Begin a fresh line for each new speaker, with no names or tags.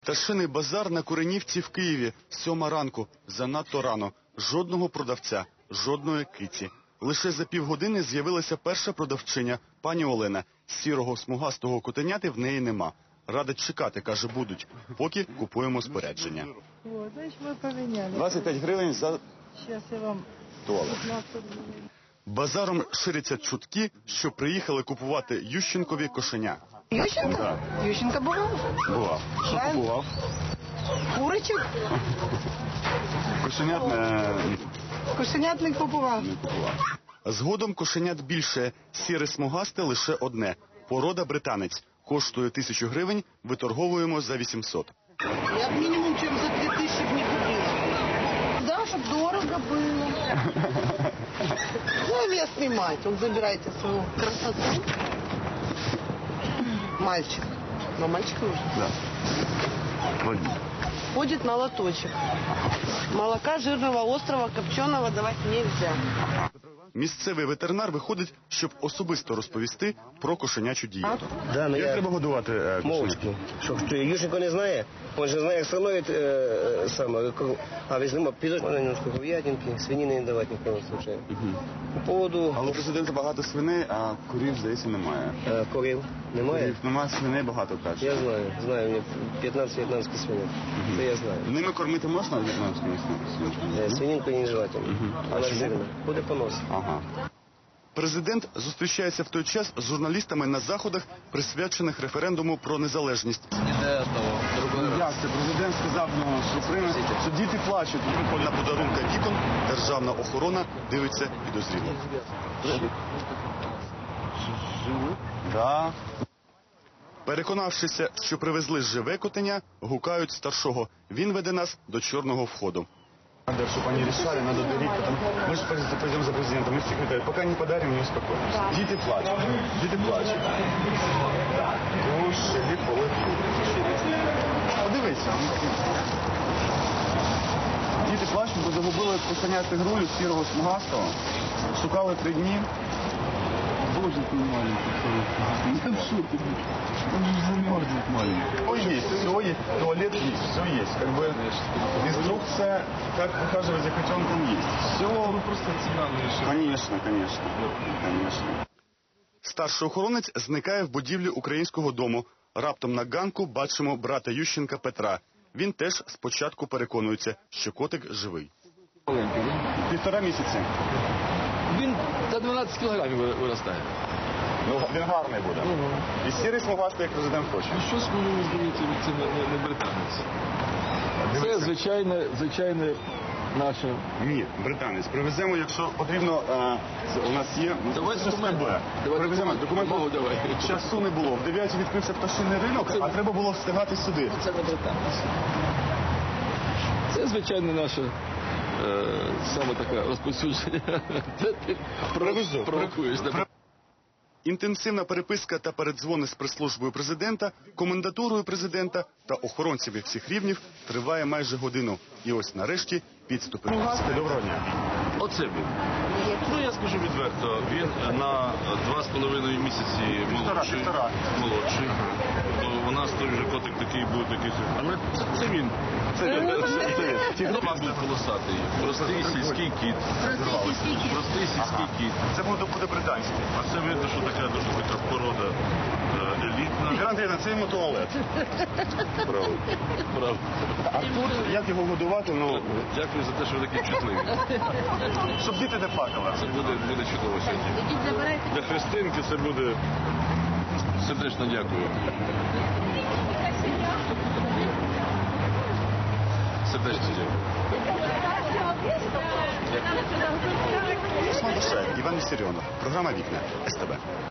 Пташиний базар на Куренівці в Києві. 7 ранку. Занадто рано. Жодного продавця, жодної киці. Лише за півгодини з'явилася перша продавчиня, пані Олена. Сірого смугастого котеняти в неї нема. Радить чекати, каже, будуть, поки купуємо спорядження. 25 гривень за туалет. Базаром ширяться чутки, що приїхали купувати Ющенкові кошеня.
Ющенко?
Да.
Ющенко бував?
Бував. Що
Да.
купував?
Курочок?
Кошенят
Кошенят не купував.
не купував. Згодом кошенят більше. Сіре смугасте лише одне. Порода британець. Коштує 1000 гривень, виторговуємо за 800.
Я б мінімум чим за 2000 б не купила. Да, щоб дорого було. Ну, я снимать. Он забирайте свою красоту. Мальчик. Но мальчик нужен.
Да.
Ходит на лоточек. Молока жирного, острого, копченого давать нельзя.
Місцевий ветеринар виходить, щоб особисто розповісти про кошенячу дієту.
Да, ну
Як треба годувати кошенят?
мовчки. Що Ющенко не знає, він же знає, як становить саме. А візьмемо підожди немножко говядинки, свинини не давати ні в коєму случаю. По поводу
Але у президента багато свиней, а курів, здається, немає.
корів немає?
Курів немає, свиней багато, каже.
Я знаю, у мене 15 в'єтнамських свиней. Це я знаю.
Ними кормити можна в'єтнамськими свинками?
Свининку не желательно. Вона
чому?
жирна. Буде понос.
Ага. Президент зустрічається в той час з журналістами на заходах, присвячених референдуму про незалежність. Як це? Президент сказав, що діти плачуть. На подарунка вікон державна охорона дивиться підозріло. Да. Переконавшися, що привезли живе котеня, гукають старшого. Він веде нас до чорного входу. Надо, чтобы они решали, надо дарить, потом мы же пойдем за президентом, мы секретарь, пока не подарим, не успокоимся. Дети плачут, дети плачут. Кушали полотку. Подивися. Діти плачуть, бо загубили кошеня тигрулю сірого смугастого. Шукали 3 дні. Боже, ты маленький. Ну что ты? Он же замерзнет маленький. Все есть, все есть, туалет есть, все есть. Как бы инструкция, как ухаживать за котенком есть. Все. Ну просто цена решила. Конечно, конечно. Конечно. Старший охоронець зникає в будівлі українського дому. Раптом на ганку бачимо брата Ющенка Петра. Він теж спочатку переконується, що котик живий. 1,5 місяці.
Він за 12 кілограмів виростає.
Ну, він гарний буде. І сірий смугастий, як президент хоче.
Ну щось мені здається, це не британець. Це звичайне наше.
Ні, британець. Привеземо, якщо потрібно, у нас є.
Давайте
це
документи.
Привеземо документи.
Давай.
Часу не було. В 9 відкрився пташиний ринок, а треба було встигати сюди.
Це не британець. Це звичайне наше саме таке розповсюдження. Де ти провокуєш.
Інтенсивна переписка та передзвони з прес-службою президента, комендатурою президента та охоронцями всіх рівнів триває майже годину. І ось нарешті підступи. Доброго дня.
Оце він. Ну, я скажу відверто, він на 2,5 місяці молодший. У нас той вже котик такий був, такий. Але це він. Тігрок був колосатий. Простий сільський кіт.
Це буде британський.
А це видно, що така дуже така порода елітна.
Ігор Андрійовна, це йому туалет.
Правда.
А тут, як його годувати, ну...
Дякую за те, що ви такі чутливі.
Щоб діти не плакали.
Це буде чудово сьогодні. Для Христинки це буде сердечно дякую. Сердечно дякую.
Іван Вісеріонов. Програма «Вікна». СТБ.